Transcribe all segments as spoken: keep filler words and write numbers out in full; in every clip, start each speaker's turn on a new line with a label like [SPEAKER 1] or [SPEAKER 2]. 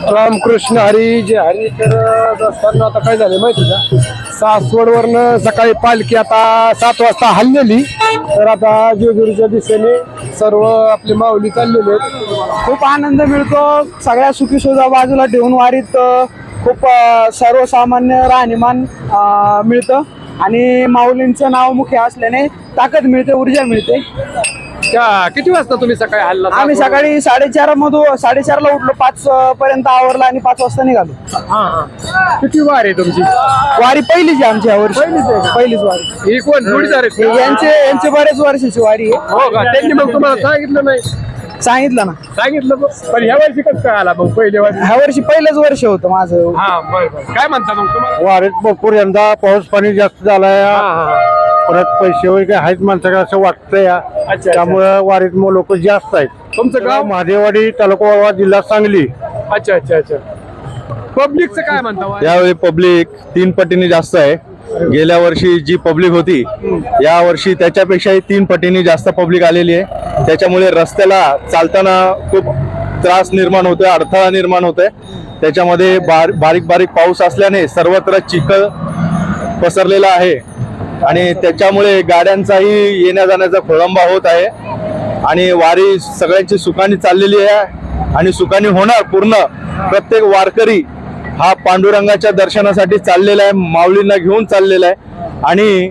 [SPEAKER 1] रामकृष्ण हरी जे हरी. तर असताना आता काय झालं माहिती का, सासवडवरनं सकाळी पालखी आता सात वाजता हल्लेली. तर आता जेजुरीच्या दिशेने सर्व आपले माऊली चाललेले आहेत.
[SPEAKER 2] खूप आनंद मिळतो. सगळ्या सुखी सुविधा बाजूला ठेवून वारीत अ, खूप अ, सर्वसामान्य राहणीमान अ, मिळतं आणि माऊलींचं नाव मुख्य असल्याने ताकद मिळते, ऊर्जा मिळते.
[SPEAKER 1] त्या किती वाजता तुम्ही सकाळी हल्ला?
[SPEAKER 2] आम्ही सकाळी साडेचार मधून साडेचारला उठलो, पाच अ, पर्यंत आवरला आणि पाच वाजता निघालो.
[SPEAKER 1] हा हा. किती वार आहे तुमची?
[SPEAKER 2] वारी पहिलीच आहे आमची यावर्षी.
[SPEAKER 1] पहिलीच आहे का?
[SPEAKER 2] पहिलीच वारी.
[SPEAKER 1] ही कोण जोडीदार आहेत का?
[SPEAKER 2] यांचे यांचे बरेच वर्षाची वारी आहे.
[SPEAKER 1] हो का? त्यांनी मग तुम्हाला सांगितलं नाही?
[SPEAKER 2] सांगितलं ना,
[SPEAKER 1] सांगितलं मग. पण ह्या वर्षी कसं काय आला मग पहिल्या वर्षी?
[SPEAKER 2] ह्या वर्षी पहिलंच वर्ष होतं माझं.
[SPEAKER 1] हा बरं बरं. काय म्हणता मग तुम्हाला?
[SPEAKER 3] वारीत भरपूर यंदा पाऊस पाणी जास्त झालाय.
[SPEAKER 1] हा हा.
[SPEAKER 3] परत पैसे वगैरे आहेत माणसाकडे असं वाटतंय.
[SPEAKER 1] अच्छा.
[SPEAKER 3] त्यामुळे वारीत मग लोक जास्त आहेत.
[SPEAKER 1] तुमचं गाव?
[SPEAKER 3] महादेवाडी, तालुका वाळवा, जिल्हा सांगली.
[SPEAKER 1] अच्छा अच्छा अच्छा. पब्लिकचं काय म्हणता वारी?
[SPEAKER 4] यावेळी पब्लिक तीन पटीने जास्त आहे. गेल्या वर्षी जी पब्लिक होती या वर्षी त्याच्यापेक्षाही तीन पटीने जास्त पब्लिक आलेली आहे. त्याच्यामुळे रस्त्याला चालताना खूप त्रास निर्माण होतोय, अडथळा निर्माण होतोय. त्याच्यामध्ये बार बारीक बारीक पाऊस असल्याने सर्वत्र चिखल पसरलेला आहे आणि त्याच्यामुळे गाड्यांचाही येण्या जाण्याचा खोळंबा होत आहे. आणि वारी सगळ्यांची सुखाने चाललेली आहे आणि सुखाने होणार पूर्ण. प्रत्येक वारकरी हा पांडुरंगाच्या दर्शनासाठी चाललेला आहे, माऊलींना घेऊन चाललेला आहे आणि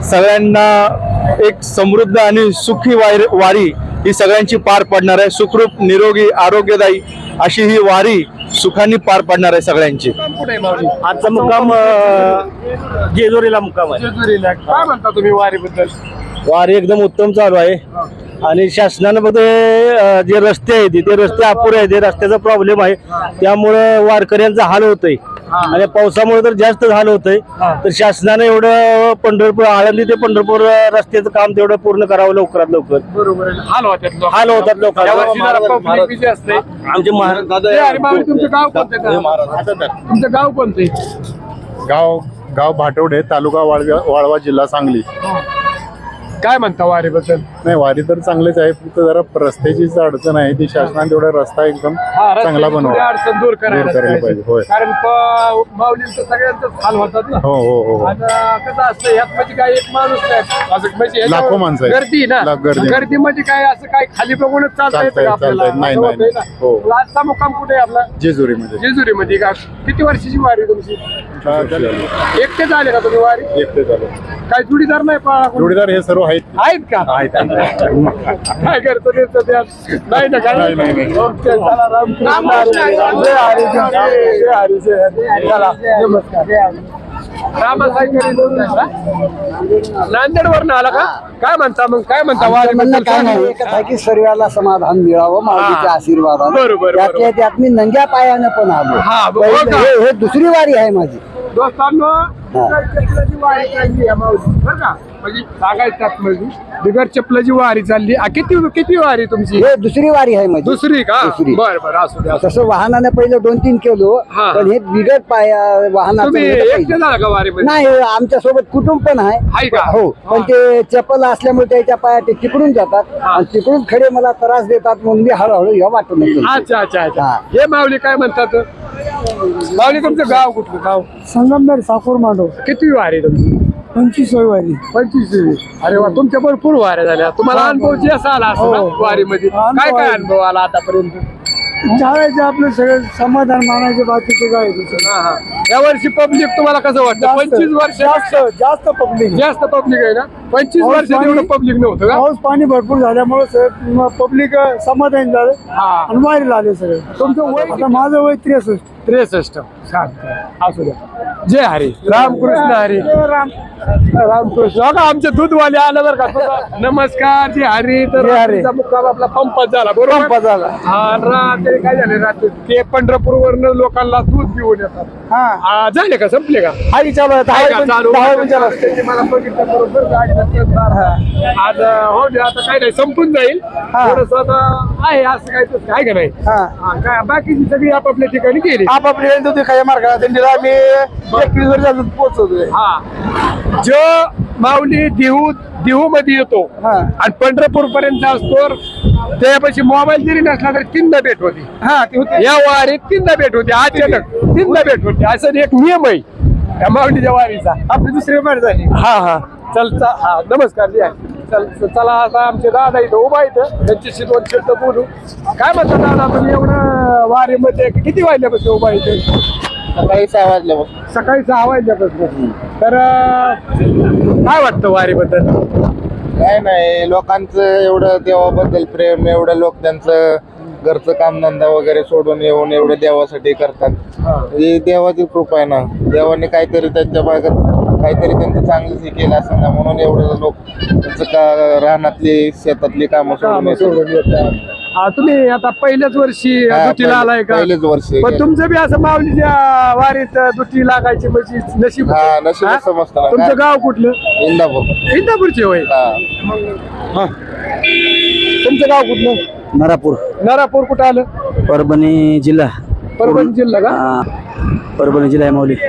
[SPEAKER 4] सगळ्यांना एक समृद्ध आणि सुखी वारी वारी ही सगळ्यांची पार पडणार आहे. सुखरूप, निरोगी, आरोग्यदायी अशी ही वारी सुखाने पार पडणार आहे सगळ्यांची.
[SPEAKER 1] कुठे आहे माऊली?
[SPEAKER 3] आजचा मुक्काम जेजुरीला मुक्काम आहे.
[SPEAKER 1] जेजुरीला. काय म्हणता तुम्ही वारीबद्दल?
[SPEAKER 3] वारी एकदम उत्तम चालू आहे आणि शासनानं फक्त अ, जे रस्ते आहेत ते रस्ते अपुरे आहेत, रस्त्याचा प्रॉब्लेम आहे. त्यामुळे वारकऱ्यांचा हाल होतोय आणि पावसामुळे तर जास्त हाल होतंय. तर शासनानं एवढं पंढरपूर, आळंदी ते पंढरपूर रस्त्याचं काम तेवढं पूर्ण करावं लवकरात लवकर.
[SPEAKER 1] बरोबर आहे. हाल होतात लोक.
[SPEAKER 3] हाल होतात लोकांना.
[SPEAKER 1] यावर्षी जरा public busy असते.
[SPEAKER 3] आमचे महाराज
[SPEAKER 1] हे अरे माऊली, तुमचं गाव कोणतं आहे? तुमचं गाव कोणतं आहे?
[SPEAKER 5] गाव गाव भाटवडे, तालुका वाळवा वाळवा, जिल्हा सांगली.
[SPEAKER 1] काय म्हणता वारीबद्दल?
[SPEAKER 5] नाही, वारी तर चांगलेच आहे, फक्त जरा रस्त्याचीच अडचण आहे. ती शासनाने तेवढा रस्ता एकदम
[SPEAKER 1] हा, रस्त्याची
[SPEAKER 5] चांगला
[SPEAKER 1] थोडी
[SPEAKER 5] बनवा.
[SPEAKER 1] अडचण दूर करायला
[SPEAKER 5] दूर करायला
[SPEAKER 1] पाहिजे.
[SPEAKER 5] पाहिजे, होय.
[SPEAKER 1] कारण प- माऊलींचं सगळ्यांचंच हाल होतात ना.
[SPEAKER 5] हो हो हो हो.
[SPEAKER 1] आता कसं असतं, यात म्हणजे काय एक माणूस नाही, असं म्हणजे याच्यावर
[SPEAKER 5] लाखो माणसं आहेत.
[SPEAKER 1] गर्दी ना.
[SPEAKER 5] लाख गर्दी.
[SPEAKER 1] गर्दी म्हणजे काय, असं काय खाली बघूनच चालता येतं
[SPEAKER 5] चालता
[SPEAKER 1] का
[SPEAKER 5] येत,
[SPEAKER 1] आपल्याला?
[SPEAKER 5] चालता येत. नाही,
[SPEAKER 1] असं
[SPEAKER 5] नाही,
[SPEAKER 1] होतंय
[SPEAKER 5] नाही.
[SPEAKER 1] ना.
[SPEAKER 5] हो.
[SPEAKER 1] मग आजचा मुक्काम कुठे आहे आपला?
[SPEAKER 5] जेजुरीमध्ये.
[SPEAKER 1] जेजुरीमध्ये का? किती वर्षाची वारी तुमची? एकटेच आले का तुम्ही वारी?
[SPEAKER 5] एकटे झाले.
[SPEAKER 1] काय जोडीदार नाही पाळा कोणी?
[SPEAKER 5] जोडीदार हे सर्व आहेत.
[SPEAKER 1] आहेत का?
[SPEAKER 5] आहेत, आहेत.
[SPEAKER 1] काय करतो ते सध्या? नाही ना काय?
[SPEAKER 5] नाही, नाही, नाही.
[SPEAKER 1] ओके, चला, रामकृष्ण हरी. जय हरी, जय हरी, जय हरी. चला, नमस्कार. नांदेड वरून आला का? काय म्हणता मग? काय म्हणता वारी?
[SPEAKER 2] काय नाही, एकच आहे की सर्वाला समाधान मिळावं माऊलीच्या
[SPEAKER 1] हा.
[SPEAKER 2] आशीर्वादाने.
[SPEAKER 1] बरोबर,
[SPEAKER 2] त्यातल्या
[SPEAKER 1] बरोबर.
[SPEAKER 2] त्यात मी नंग्या पायानं पण आलो.
[SPEAKER 1] हा, हो
[SPEAKER 2] पहिले-
[SPEAKER 1] का?
[SPEAKER 2] हे हे दुसरी वारी आहे माझी.
[SPEAKER 1] दोस्तांनो, बिगर चपलाची वारी चालली आहे माऊली, बरं का? म्हणजे सांगायचं म्हणजे बिगर चपलाची वारी चालली. आ, किती किती वारी तुमची?
[SPEAKER 2] हे दुसरी वारी आहे माझी.
[SPEAKER 1] दुसरी का?
[SPEAKER 2] दुसरी.
[SPEAKER 1] बरं बरं, असू द्या.
[SPEAKER 2] तसं वाहनाने पहिले दोन तीन केलो,
[SPEAKER 1] हा.
[SPEAKER 2] पण हे बिगर पाया वाहनाचं
[SPEAKER 1] तुम्ही
[SPEAKER 2] हे
[SPEAKER 1] एकटे
[SPEAKER 2] पहिलं.
[SPEAKER 1] झाला का वारीमध्ये?
[SPEAKER 2] नाही, आमच्या सोबत कुटुंब पण आहे.
[SPEAKER 1] आहे का?
[SPEAKER 2] हो, पण ते चपल असल्यामुळे त्याच्या पाया ते तिकडून जातात आणि तिकडून खडे मला त्रास देतात म्हणून मी हळूहळू ह्या वाटून येतो.
[SPEAKER 1] अच्छा अच्छा अच्छा.
[SPEAKER 2] हा.
[SPEAKER 1] हे माऊली काय म्हणतात? माऊली, तुमचं गाव कुठलं? गाव
[SPEAKER 2] संगमनेर साकूर मांडव
[SPEAKER 1] किती वारी तुमची?
[SPEAKER 2] पंचवीस वारी.
[SPEAKER 1] पंचवीस. अरे वा, तुमच्या भरपूर वाऱ्या झाल्या. तुम्हाला अनुभव जे असा आला असं ना वारीमध्ये? काय काय अनुभव आला आतापर्यंत?
[SPEAKER 2] चालायचं आपलं सगळं समाधान मानायचे, बाकीचे काय
[SPEAKER 1] हा हा. या वर्षी पब्लिक तुम्हाला कसं वाटतं? पंचवीस वर्ष
[SPEAKER 2] जास्त जास्त पब्लिक.
[SPEAKER 1] जास्त पब्लिक आहे ना? पंचवीस
[SPEAKER 2] पाऊस
[SPEAKER 1] वर्षात
[SPEAKER 2] पाणी-
[SPEAKER 1] एवढं पब्लिक नव्हतं का?
[SPEAKER 2] पाऊस पाणी भरपूर झाल्यामुळे पब्लिक समाधान झालं
[SPEAKER 1] हा.
[SPEAKER 2] आणि वारीला आले सगळे.
[SPEAKER 1] तुमचं वय
[SPEAKER 2] आता माझं वय त्रेसष्ट.
[SPEAKER 1] त्रेसष्ट. छान. असू द्या. जय हरी. रामकृष्ण हरी. रामकृष्ण. बघा, आमचे दूधवाले आलं बरं का. तुझा नमस्कार. जय हरी. तर रात्रीचा मुक्काम आपला पंपात झाला, बरोबर?
[SPEAKER 2] पंपात झाला.
[SPEAKER 1] हा, रात्री काय झाले? रात्री ते पंढरपूर वरनं लोकांना दूध पिऊन येतात.
[SPEAKER 2] हा,
[SPEAKER 1] हा, झाले का? संपले का?
[SPEAKER 2] हाही चालू आहे.
[SPEAKER 1] आहे का?
[SPEAKER 2] दहा
[SPEAKER 1] चालू.
[SPEAKER 2] दहा मिनिटं लागतात.
[SPEAKER 1] त्याची मला बघितलं बरोबर गाडी आज हो दे, आता काय नाही संपून जाईल थोडस आता आहे असं काय तसं आहे का नाही.
[SPEAKER 2] हा
[SPEAKER 1] हा, काय बाकीची सगळी आपापल्या ठिकाणी गेली.
[SPEAKER 2] आपापली वेळ होती काही मार्गाला दिंडीला आम्ही एकवीस वर्ष अजून पोहोचवतोय.
[SPEAKER 1] हा जो माऊली देहू देहू मध्ये येतो
[SPEAKER 2] हा
[SPEAKER 1] आणि पंढरपूर पर्यंत असतो त्यापाशी मोबाईल जरी नसला तरी तीनदा भेट होती.
[SPEAKER 2] हा ती होती.
[SPEAKER 1] या वारीत तीनदा भेट होती अचानक तीनदा भेट होती असं एक नियम आहे या माऊलीच्या वारीचा.
[SPEAKER 2] आपली दुसरी भेट झाली.
[SPEAKER 1] हा हा चल चा- हा नमस्कार जी चल चला आता आमचे दादा इथं उभा इथं त्यांच्याशी दोन शब्द बोलू. काय म्हणता दादा तुम्ही एवढं वारीमध्ये किती वाजल्यापासून उभा इथे?
[SPEAKER 3] सकाळी सहा वाजल्यापासून.
[SPEAKER 1] सकाळी सहा वाजल्यापासून. तर अं, काय वाटतं वारीबद्दल?
[SPEAKER 3] काय नाही, लोकांचं एवढं देवाबद्दल प्रेम, एवढं लोक त्यांचं घरचं कामधंदा वगैरे सोडून येऊन एवढं देवासाठी करतात. ही देवाची कृपा आहे ना. देवाने काहीतरी त्यांच्या भागात काहीतरी त्यांचं चांगलं हे केलं असं ना, म्हणून एवढं लोक त्यांचं का रानातली शेतातली कामं सोडून
[SPEAKER 1] कामं
[SPEAKER 3] येतात.
[SPEAKER 1] सोडून येतात. हा, तुम्ही आता पहिल्याच वर्षी
[SPEAKER 3] हा,
[SPEAKER 1] दुटीला आलाय का?
[SPEAKER 3] पहिलेच वर्ष
[SPEAKER 1] पण तुमचं बी असं माऊलीच्या वारीत दुटी लागायची म्हणजे नशीब
[SPEAKER 3] हा,
[SPEAKER 1] होतं.
[SPEAKER 3] नशीब
[SPEAKER 1] हा?
[SPEAKER 3] समजतं ना.
[SPEAKER 1] तुमचं गाव कुठलं?
[SPEAKER 3] इंदापूर.
[SPEAKER 1] इंदापूरचे होय.
[SPEAKER 3] हा.
[SPEAKER 1] हा. तुमचं गाव कुठलं?
[SPEAKER 6] नरापूर,
[SPEAKER 1] नरापूर कुठं आलं?
[SPEAKER 6] परभणी जिल्हा.
[SPEAKER 1] परभणी जिल्हा का?
[SPEAKER 6] हा, परभणी जिल्हा आहे माऊली.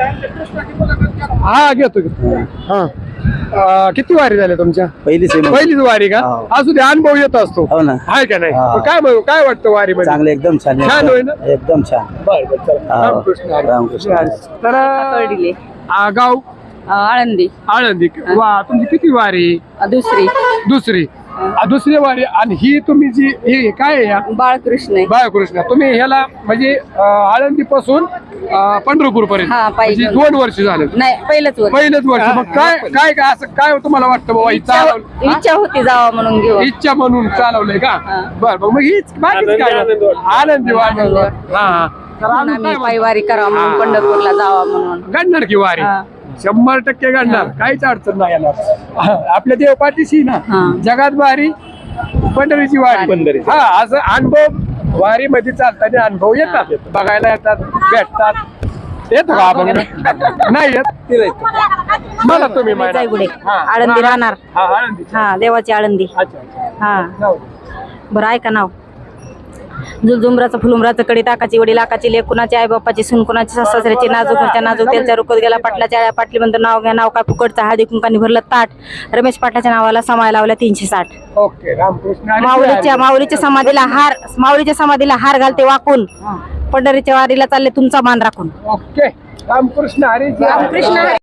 [SPEAKER 1] हा घेतो घेतो. हा अं, किती वारी झाल्या तुमच्या?
[SPEAKER 6] पहिलीच आहे माऊली.
[SPEAKER 1] पहिलीच वारी का?
[SPEAKER 6] हो.
[SPEAKER 1] असू दे अनुभव येत असतो.
[SPEAKER 6] हो ना.
[SPEAKER 1] आहे का नाही?
[SPEAKER 6] हा.
[SPEAKER 1] पण काय म्हणू- काय वाटतं वारी मध्ये?
[SPEAKER 6] चांगलं एकदम छान आहे.
[SPEAKER 1] छान होय ना?
[SPEAKER 6] एकदम छान.
[SPEAKER 1] बरं, बरं, चला.
[SPEAKER 6] हा.
[SPEAKER 1] रामकृष्ण हरी.
[SPEAKER 6] रामकृष्ण हरी.
[SPEAKER 1] तर
[SPEAKER 7] कळडिले
[SPEAKER 1] आ, गाव
[SPEAKER 7] आळंदी
[SPEAKER 1] आळंदी. वा तुमची किती वारी?
[SPEAKER 7] दुसरी
[SPEAKER 1] दुसरी. आ, दुसरी वारी. आणि ही तुम्ही जी हे काय आहे या
[SPEAKER 7] बाळकृष्ण
[SPEAKER 1] बाळकृष्ण तुम्ही ह्याला म्हणजे आळंदी पासून पंढरपूर पर्यंत
[SPEAKER 7] हा, पायी
[SPEAKER 1] म्हणजे
[SPEAKER 7] घेऊन.
[SPEAKER 1] दोन वर्ष झाले.
[SPEAKER 7] नाही पहिलंच वर्ष
[SPEAKER 1] पहिलेच वर्ष. मग काय काय काय असं काय तुम्हाला वाटतं बाबा ही
[SPEAKER 7] इच्छा
[SPEAKER 1] चालवलं?
[SPEAKER 7] इच्छा होती जावा म्हणून घेऊन
[SPEAKER 1] इच्छा म्हणून चालवलंय का?
[SPEAKER 7] हा.
[SPEAKER 1] बर मग हीच बाकीच काय आनंदी आनंद. हा हा. तर अजून
[SPEAKER 7] आम्ही
[SPEAKER 1] काय
[SPEAKER 7] पायवारी करावं म्हणून पंढरपूरला जावा म्हणून
[SPEAKER 1] घडणार की वारी?
[SPEAKER 7] हा.
[SPEAKER 1] शंभर टक्के घडणार. काहीच अडचण नाही येणार. आपल्या देव पाठीशी ना
[SPEAKER 7] हा.
[SPEAKER 1] जगात वारी पंढरीची वारी. हा असं अनुभव वारी मध्ये चालताना अनुभव येतात बघायला येतात भेटतात. येतो का आपण? नाही येत तिला येतो. मला तुम्ही माहिती.
[SPEAKER 7] जायगुडे
[SPEAKER 1] हा.
[SPEAKER 7] आळंदी राहणार
[SPEAKER 1] हा आळंदी.
[SPEAKER 7] हा देवाची आळंदी
[SPEAKER 1] अच्छा अच्छा.
[SPEAKER 7] हा
[SPEAKER 1] जाऊ.
[SPEAKER 7] बरं ऐका नाव झुलझुमराचं फुलुमराचं कडी ताकाची वडी लाकाची लेक कुणाची आई बाप्पाची सून कुणाची सासऱ्याची नाजूक घरच्या नाजूक तेलच्या रुकत गेला पाटलाच्या आळ्या पाटली म्हणतो नाव घ्या नाव काय फुकटचं हळदी कुंकाने भरलं ताट रमेश पाटलाच्या नावाला समाय लावल्या तीनशे साठ.
[SPEAKER 1] ओके रामकृष्ण हरी.
[SPEAKER 7] माऊलीच्या माऊलीच्या समाधीला हार माऊलीच्या समाधीला हार घालते वाकून पंढरीच्या वारीला चालले तुमचा मान राखून.
[SPEAKER 1] ओके रामकृष्ण हरी.
[SPEAKER 7] रामकृष्ण हरी.